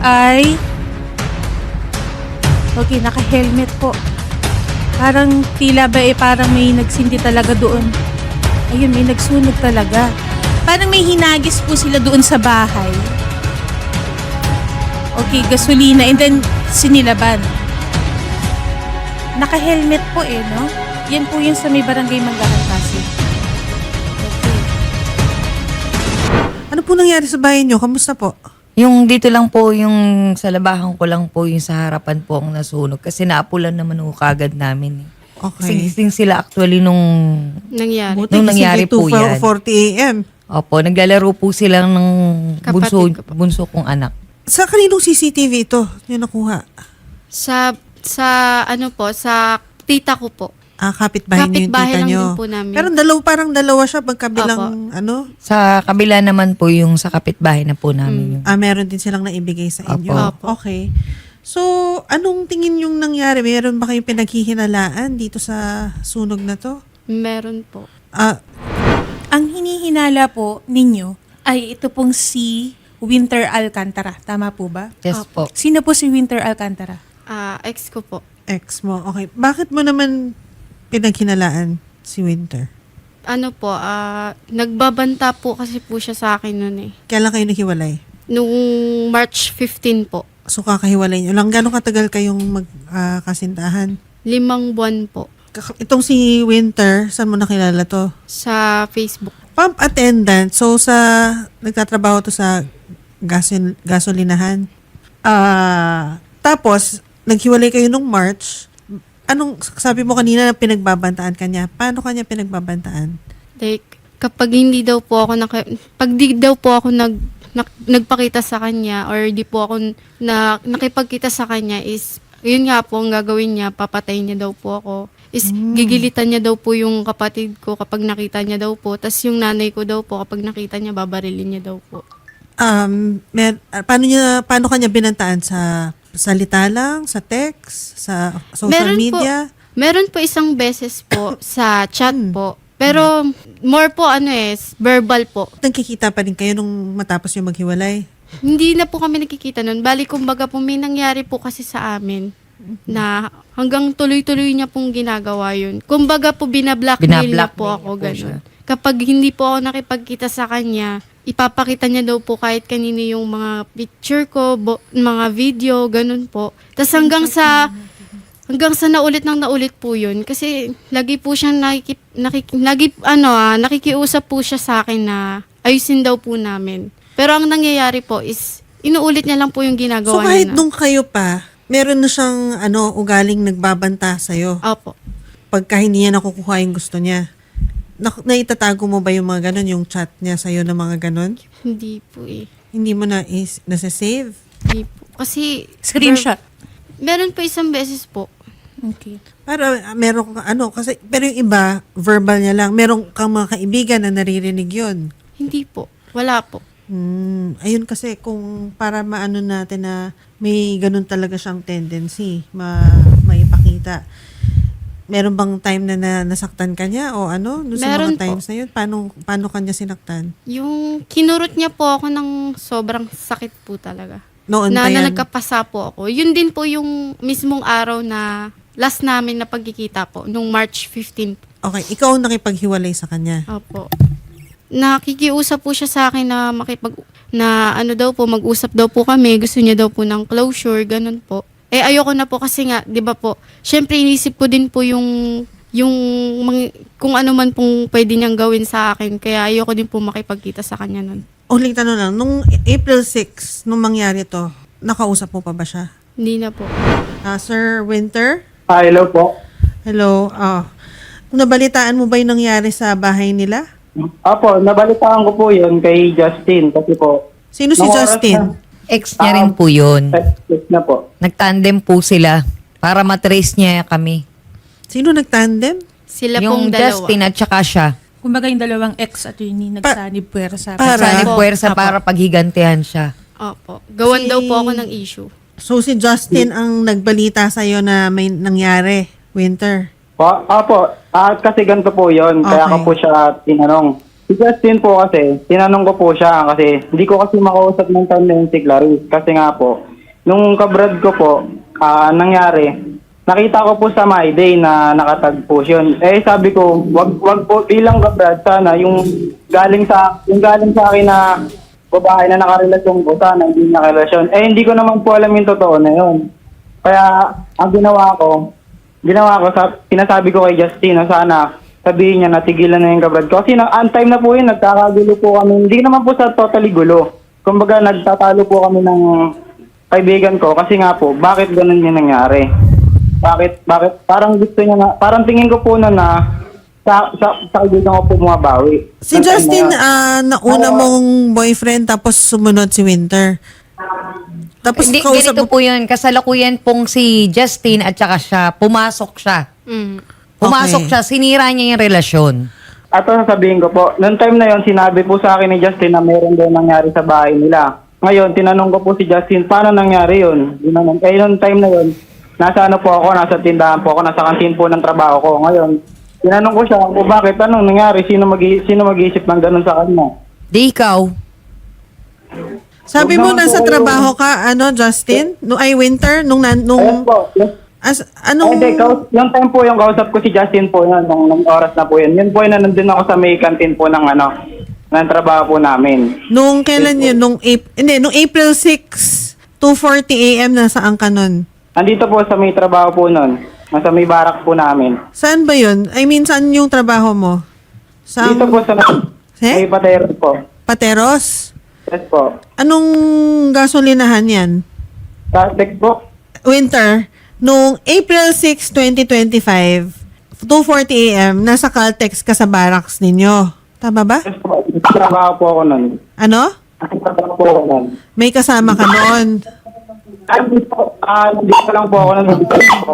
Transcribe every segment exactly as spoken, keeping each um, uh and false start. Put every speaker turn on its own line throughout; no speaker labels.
ay... Okay, naka-helmet po. Parang tila ba eh, parang may nagsindi talaga doon. Ayun, may nagsunog talaga. Parang may hinagis po sila doon sa bahay. Okay, gasolina and then sinilaban. Naka-helmet po eh, no? Yan po yun sa may barangay Manggahan, Pasig. Okay.
Ano po nangyari sa bahay nyo? Kamusta po?
Yung dito lang po, yung sa labahan ko lang po, yung sa harapan po ang nasunog. Kasi naapulan naman ho kagad namin. Eh.
Okay.
Gising sila actually nung,
Nangyari.
Buti
nung
kasi
nangyari po
two
yan.
forty a m
Opo, naglalaro po sila ng bunso,
Kapatid ko po.
bunso kong anak.
Sa kaninong C C T V ito yung nakuha?
Sa, sa ano po, sa tita ko po.
Ah, kapitbahay niyo yung
Kapitbahay
tita
lang
nyo.
din po namin.
Pero dalaw, parang dalawa siya magkabilang ano?
Sa kabila naman po yung sa kapitbahay na po namin. Yung,
Ah, meron din silang naibigay sa inyo.
Apo.
Okay. So, anong tingin yung nangyari? Meron ba kayong pinaghihinalaan dito sa sunog na to?
Meron po.
Ah,
Ang hinihinala po ninyo ay ito pong si Winter Alcantara. Tama po ba?
yes po.
Sino po si Winter Alcantara?
Ah, ex ko po.
ex mo. Okay. Bakit mo naman pinaghinalaan si Winter?
Ano po, ah, nagbabanta po kasi po siya sa akin noon eh.
Kailan kayo naghiwalay?
Nung March fifteenth po.
So, kakahiwalay nyo lang. Gano'ng katagal kayong magkasintahan?
Limang buwan po.
Itong si Winter, saan mo nakilala to?
Sa Facebook.
Pump attendant. So, sa nagtatrabaho to sa gasol, gasolinahan. Ah, tapos, naghiwalay kayo nung March. Anong, sabi mo kanina na pinagbabantaan ka niya. Paano kanya pinagbabantaan?
Like, kapag hindi daw po ako, naka, pag di daw po ako nag, nak, nagpakita sa kanya or di po ako na, nakipagkita sa kanya is, yun nga po ang gagawin niya, papatayin niya daw po ako. Is, gigilitan niya daw po yung kapatid ko kapag nakita niya daw po. Tapos yung nanay ko daw po, kapag nakita niya, babarilin niya daw po.
Um, mer, ah, paano niya, paano kanya binantaan? Sa salita lang? Sa text? Sa social
Meron po.
media?
Meron po isang beses po sa chat
Hmm.
po. Pero more po ano eh, verbal po.
Nagkikita pa rin kayo nung matapos yung maghiwalay?
Hindi na po kami nakikita nun. Bali, kumbaga po may nangyari po kasi sa amin na hanggang tuloy-tuloy niya pong ginagawa yun. Kumbaga po binablockmail niya po
Binablackmail
ako
niya po
ganun.
siya.
Kapag hindi po ako nakipagkita sa kanya, ipapakita niya daw po kahit kanino yung mga picture ko, bo- mga video, ganun po. Tapos hanggang sa hanggang sa naulit nang naulit po yun. Kasi lagi po siyang nakikip, nakik, lagi, ano, ah, nakikiusap po siya sa akin na ayusin daw po namin. Pero ang nangyayari po is, inuulit niya lang po yung ginagawa
So kahit
niya.
nung kayo pa, meron na siyang ano, ugaling nagbabanta sa'yo
Opo.
pagka hindi niya nakukuha yung gusto niya. Na, naitatago mo ba yung mga ganon, yung chat niya sa'yo na mga ganon?
Hindi po eh.
Hindi mo na is, nasa-save?
Hindi po. Kasi,
Screenshot.
meron po isang beses po.
Okay.
Para ah, meron ka, ano, kasi, pero yung iba, verbal niya lang. Meron kang mga kaibigan na naririnig yun.
Hindi po. Wala po.
Hmm, ayun kasi kung para maano natin na may ganun talaga siyang tendency, ma, maipakita. Meron bang time na, na nasaktan ka niya o ano? Doon sa
Meron
mga times
po.
na yun, paano, paano kanya sinaktan?
Yung kinurot niya po ako ng sobrang sakit po talaga.
Noon
na,
pa
na
yan?
nagkapasa po ako. Yun din po yung mismong araw na last namin na pagkikita po, nung March fifteenth.
Okay, ikaw ang nakipaghiwalay sa kanya.
Opo. Nakikiusap po siya sa akin na makipag, na ano daw po, mag-usap daw po kami. Gusto niya daw po ng closure, ganun po. Eh, ayoko na po kasi nga, di ba po, syempre inisip ko din po yung, yung, mga, kung ano man pong pwede niyang gawin sa akin. Kaya ayoko din po makipagkita sa kanya nun.
Uling tanong lang, nung April sixth, nung mangyari to, nakausap mo pa ba siya?
Hindi na po.
Ah, Sir Winter?
Ah, hello po.
Hello. Ah, nabalitaan mo ba yung nangyari sa bahay nila?
Apo, nabalitaan ko po yun kay Justin kasi po.
Sino si
nung oras
Justin?
Ex niya rin po yun.
na- text na po.
Nagtandem po sila para matrace niya kami.
Sino nagtandem?
Sila
Yung
pong dalawa.
Justin at saka siya.
Kumbaga yung dalawang ex-attorney nagsanib puwersa.
para-
Sanib
Opo.
puwersa
Opo.
para paghigantihan siya.
Opo. Gawan
Si-
daw po ako ng issue.
So si Justin ang nagbalita sa'yo na may nangyari, Winter.
Po, apo, ah, kasi ganito po yun. Kaya
Okay.
ko po siya tinanong. Si Justin po kasi, tinanong ko po siya kasi hindi ko kasi makausap ng time na yun si Clarice. Kasi nga po, nung kabrad ko po, ah, nangyari, nakita ko po sa My Day na nakatag po yun. Eh sabi ko, wag wag po bilang kabrad sana yung galing sa yung galing sa akin na babae na nakarelasyon ko sana hindi nakarelasyon. Eh hindi ko naman po alam yung totoo na yun. Kaya ang ginawa ko, ginawa ko sa pinasabi ko kay Justin na sana sabihin niya na tigilan na yung kabrad ko. Kasi na, on time na po yun, nagkakagulo po kami. Hindi naman po sa totally gulo. Kumbaga, nagtatalo po kami ng kaibigan ko. Kasi nga po, bakit ganun yung nangyari? Bakit, bakit, parang gusto niya na, parang tingin ko po na na sa, sa, sa kaibigan ko po bumabawi.
Si
Nung time
Justin,
na yun.
ah, nauna
Oo.
mong boyfriend tapos sumunod si Winter. Tapos
Hindi,
kausap
ganito
mo,
po yun. Kasalukuyan pong si Justin at saka siya, pumasok siya.
Mm.
Pumasok
Okay.
siya, sinira niya yung relasyon.
At ang sasabihin ko po, noong time na yon sinabi po sa akin ni Justin na meron daw nangyari sa bahay nila. Ngayon, tinanong ko po si Justin, paano nangyari yun? Tinanong, eh, noong time na yon nasa ano po ako, nasa tindahan po ako, nasa kantin po ng trabaho ko. Ngayon, tinanong ko siya, o bakit, anong nangyari? Sino, mag sino mag-iisip ng ganun sa kanya?
Di ikaw.
sabi
Huwag
mo
naman
nasa
po kayo-
trabaho ka, ano, Justin? No, ay, Winter? Nung, nan-
Ayun
nung,
po, yes.
as,
Ay,
anong,
hindi, kaus- yung time po yung kausap ko si Justin po yun, nung, nung oras na po yun. Yun po yun na nandun ako sa may kantin po ng ano, ng trabaho po namin.
nung kailan yun? Nung, April, hindi, nung April sixth, two forty a m nasaan ka nun?
Andito po sa may trabaho po nun. Nasa may barak po namin.
Saan ba yun? I mean, saan yung trabaho mo? Sa
Dito po sa
Eh?
may patero po.
Pateros?
Yes po.
Anong gasolinahan yan?
Sa text po.
Winter, nung April sixth, twenty twenty-five, two forty a m, nasa Caltex ka sa barracks ninyo. Tama ba?
Yes po. Trabaho po ako nun.
Ano?
Trabaho po ako nun.
May kasama ka noon.
Ah, Hindi po, ah, hindi ko lang po ako nun. Hindi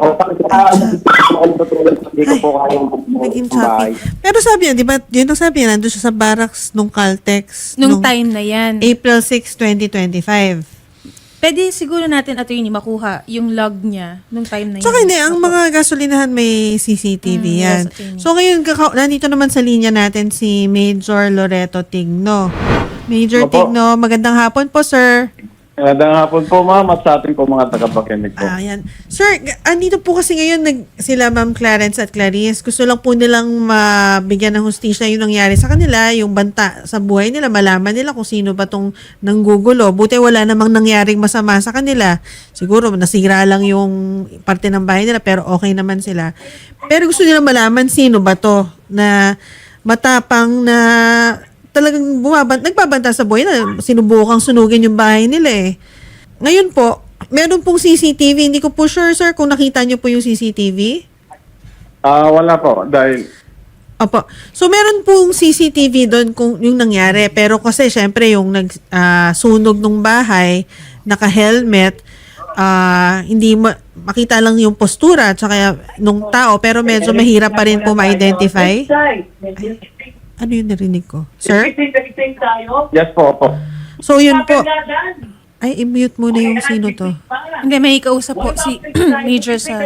ko po kayang
Naging
bahay.
choppy. Pero sabi niya, di ba, yun ang sabi niya, nandun siya sa barracks nung Caltex.
Nung time na yan.
April sixth, twenty twenty-five.
Pwede siguro natin, attorney, makuha yung log niya nung time na yan.
Tsaka hindi, ang mga gasolinahan may C C T V
Mm,
yan.
yes, attorney.
So ngayon, kaka- nandito naman sa linya natin si Major Loreto Tigno. Major
Opo.
Tigno, magandang hapon po, sir.
Magandang hapon po, ma'am, at sa ating po mga tagapakinig po.
Ah, yan. Sir, g- andito po kasi ngayon nag, sila Ma'am Clarence at Clarice. Gusto lang po nilang mabigyan ng hustisya yung nangyari sa kanila, yung banta sa buhay nila, malaman nila kung sino ba tong nanggugulo. Buti wala namang nangyaring masama sa kanila. Siguro nasira lang yung parte ng bahay nila, pero okay naman sila. Pero gusto nilang malaman sino ba to na matapang na talagang bumabant, nagbabanta sa buhay na sinubukang sunugin yung bahay nila eh. Ngayon po, meron pong C C T V. Hindi ko po sure, sir, kung nakita niyo po yung C C T V.
Ah, wala po, dahil
Opo. So, meron pong C C T V doon kung yung nangyari. Pero kasi, syempre, yung nag, ah, sunog ng bahay, naka-helmet, ah, hindi ma- makita lang yung postura at saka nung tao, pero medyo mahirap pa rin po ma-identify. Ano yung narinig ko? Sir?
yes po, po.
So, yun po. Ay, i-mute muna yung sino to.
Hindi, may kausap po si Major sa...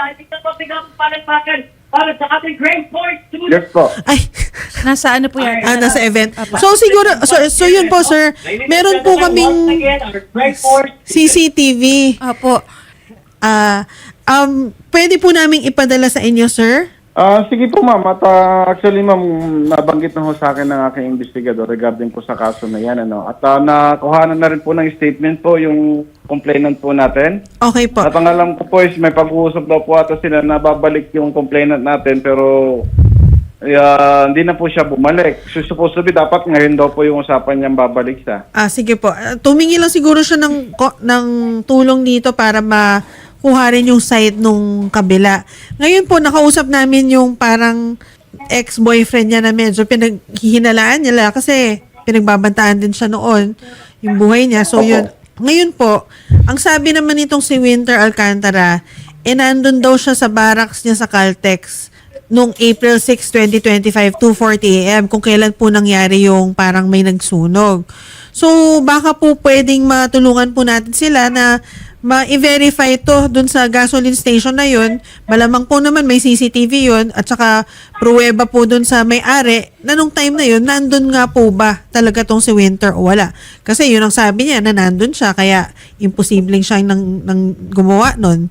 Yes po.
Ay,
Nasa ano po yan?
ah, nasa event. So, siguro, so, so yun po, sir. Meron po kaming C C T V.
Opo.
Ah, um, pwede po namin ipadala sa inyo, sir?
Ah, sige po, ma'am. At ah, actually, ma'am, nabanggit na ho sa akin ng aking investigador regarding po sa kaso na yan. Ano? At uh, nakuhanan na rin po ng statement po yung complainant po natin.
Okay po.
At ang alam ko po is may pag-uusap daw po ata sila na babalik yung complainant natin pero ah, hindi na po siya bumalik. So, supposed to be dapat ngayon daw po yung usapan niyang babalik siya.
Ah, sige po. Ah, tumingi lang siguro siya ng, ko- ng tulong dito para makuha rin yung side nung kabila. Ngayon po, nakausap namin yung parang ex-boyfriend niya na medyo pinaghihinalaan nila kasi pinagbabantaan din siya noon yung buhay niya. So, yun. Ngayon po, ang sabi naman nitong si Winter Alcantara, eh nandun daw siya sa barracks niya sa Caltex noong April sixth, twenty twenty-five, two forty a m kung kailan po nangyari yung parang may nagsunog. So, baka po pwedeng matulungan po natin sila na ma-verify to dun sa gasoline station na yun, malamang po naman may C C T V yun, at saka pruweba po dun sa may-ari na nung time na yun, nandun nga po ba talaga tong si Winter o wala. Kasi yun ang sabi niya na nandun siya, kaya imposibleng siya nang, nang gumawa nun.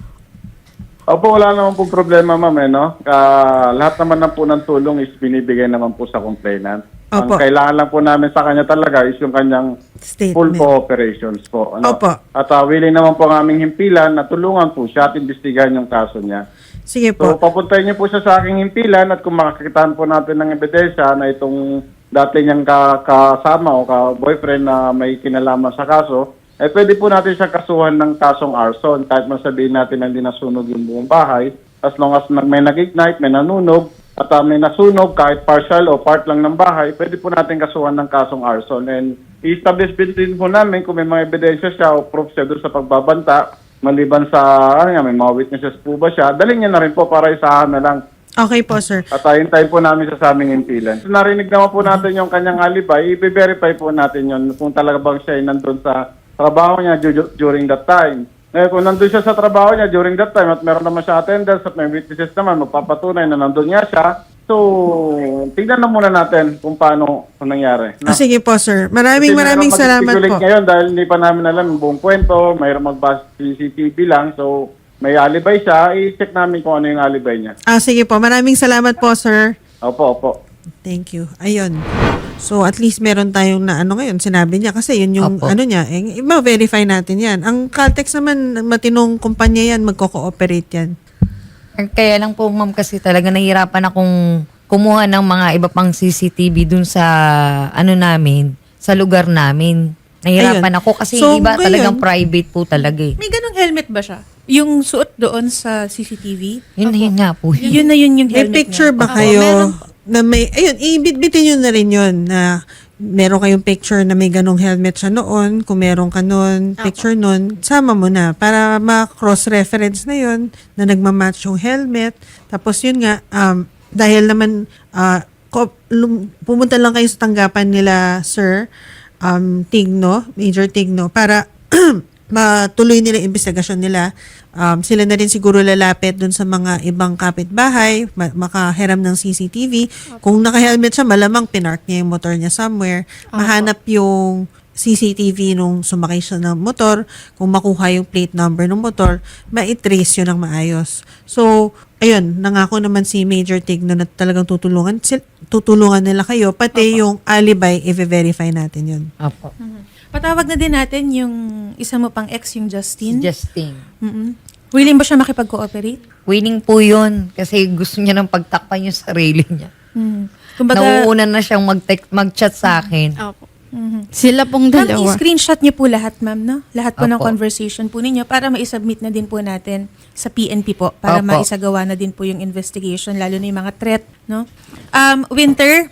Opo, wala naman po problema, ma'am, eh, no? Ah, lahat naman na po ng tulong is binibigay naman po sa complainant.
Opo.
Ang kailangan lang po namin sa kanya talaga is yung kanyang full
Statement.
cooperations po. Ano?
Opo.
At uh, willing naman po ang aming himpilan na tulungan po siya at imbestigahan yung kaso niya.
Sige
So,
po.
papuntahin niyo po siya sa aking himpilan at kung makakitaan po natin ng ebidensya na itong dati niyang ka- kasama o ka-boyfriend na may kinalaman sa kaso, eh pwede po natin siya kasuhan ng kasong arson kahit masabihin natin na hindi nasunog yung buong bahay. As long as nag- may nag-ignite, may nanunog, at uh, may nasunog kahit partial o part lang ng bahay, pwede po natin kasuhan ng kasong arson. And i-establish din po namin kung may mga ebidensya siya o proof siya doon sa pagbabanta, maliban sa, ano nga, may mga witnesses po ba siya, dalhin niya na rin po para isahan na lang.
Okay po, sir.
At uh, hintayin po namin sa aming impilan. Narinig naman po natin yung kanyang alibay, i-verify po natin yun kung talaga bang siya ay nandun sa trabaho niya du- during that time. Ngayon, kung nandun siya sa trabaho niya during that time at meron naman siya attendance at may witnesses naman, magpapatunay na nandun nga siya. So, tignan na muna natin kung paano kung nangyari.
Ah, sige po, sir. Maraming
Kasi
maraming
mayroong
salamat
mag-speculate
po.
ngayon dahil hindi pa namin alam yung buong kwento, mayroong magbasa C C T V lang. So, may alibay siya, i-check namin kung ano yung alibay niya.
Ah, sige po. Maraming salamat po, sir.
Opo, opo.
Thank you. Ayun. So, at least meron tayong na ano ngayon, sinabi niya kasi yun yung
Opo.
ano niya, eh, ma-verify natin yan. Ang Caltex naman, matinong kumpanya yan, magko-cooperate yan.
Kaya lang po, ma'am, kasi talaga nahihirapan akong kumuha ng mga iba pang C C T V dun sa ano namin, sa lugar namin. Nahihirapan
Ayun.
ako kasi
So,
iba
ngayon-
talagang private po talaga eh.
May ganong helmet ba siya? Yung suot doon sa C C T V?
Yun, yun nga po.
Yun na yun yung
May
helmet
picture
niya.
ba
Opo,
kayo
meron
na may, ayun, ibitbitin nyo na rin yun na meron kayong picture na may ganong helmet siya noon, kung meron ka noon, picture noon, sama mo na para ma-cross-reference na yun na nagmamatch yung helmet. Tapos yun nga, um, dahil naman ah, ko- lum- pumunta lang kayo sa tanggapan nila, Sir um, Tigno, Major Tigno, para matuloy nila yung investigasyon nila. Um, sila na rin siguro lalapit dun sa mga ibang kapitbahay, ma- makahiram ng C C T V. Kung naka-helmet siya, malamang pinark niya yung motor niya somewhere. Mahanap yung C C T V nung sumakay siya ng motor. Kung makuha yung plate number ng motor, ma-trace yun ng maayos. So, ayun, nangako naman si Major Tigno na talagang tutulungan, sil- tutulungan nila kayo, pati yung alibi, i-verify natin yun.
Opo.
Patawag na din natin yung isa mo pang ex, yung Justin.
Justin.
Mm-mm. Willing ba siya makipag-cooperate?
Winning po yun kasi gusto niya nang pagtakpan yung sarili niya.
Mm. Kumbaga,
Nauuna na siyang mag-text, mag-chat sa akin.
Opo.
mhm.
Sila pong
Ma'am,
dalawa.
i-screenshot niyo po lahat, ma'am, no? Lahat po ng
Apo.
conversation po ninyo para ma-submit na din po natin sa P N P po para
Apo.
maisagawa na din po yung investigation, lalo na yung mga threat, no? Um, Winter?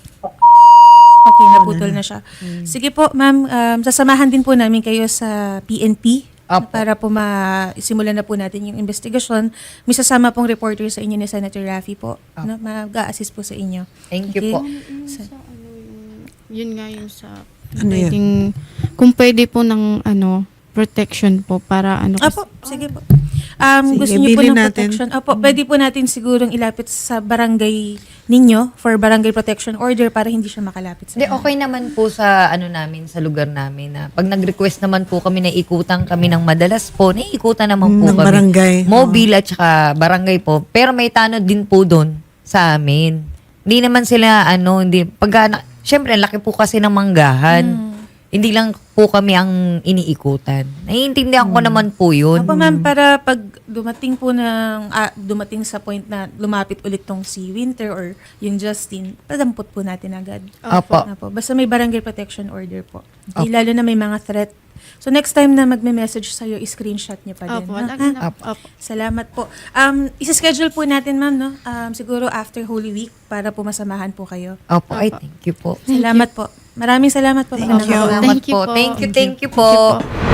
Okay, naputol na siya. Sige po, ma'am, um, sasamahan din po namin kayo sa P N P
Apo.
para po ma-simulan na po natin yung investigasyon. May sasama pong reporter sa inyo ni Senator Raffy po. No? Mag-a-assist po sa inyo.
Thank you
Okay?
po.
Sa-
Yun nga yung sa
Ano yun?
pwedeng, kung pwede po ng ano protection po para ano kasi-
Apo, sige po. Um,
Sige,
gusto niyo po
bilhin
ng
natin.
protection? Apo, pwede po natin sigurong ilapit sa barangay ninyo for barangay protection order para hindi siya makalapit sa
Hindi, okay naman po sa ano namin, sa lugar namin na pag nag-request naman po kami na ikutan kami ng madalas po, naiikutan naman po
Ng
kami.
barangay.
Mobile at saka barangay po. Pero may tanod din po doon sa amin. Hindi naman sila ano, hindi, pag, na, syempre, ang laki po kasi ng manggahan. Hindi lang po kami ang iniikutan. Naiintindihan ko naman po yun.
Apo ma'am, para pag dumating po ng, ah, dumating sa point na lumapit ulit tong si Winter or yung Justin, padampot po natin agad.
Opo.
Apo, basta may barangay protection order po. Okay, lalo na may mga threat. So next time na magme-message sa'yo, i-screenshot niyo pa din.
Opo,
no?
lagi
Ha?
na. Opo.
Salamat po. Um, isa-schedule po natin, ma'am, no? Um, siguro after Holy Week para po masamahan po kayo.
Opo, ay, thank you po.
Salamat po. Maraming salamat po.
Thank
Magandang
you.
araw.
Salamat
Thank you
po.
po.
Thank you, thank you
Thank you
po.
po.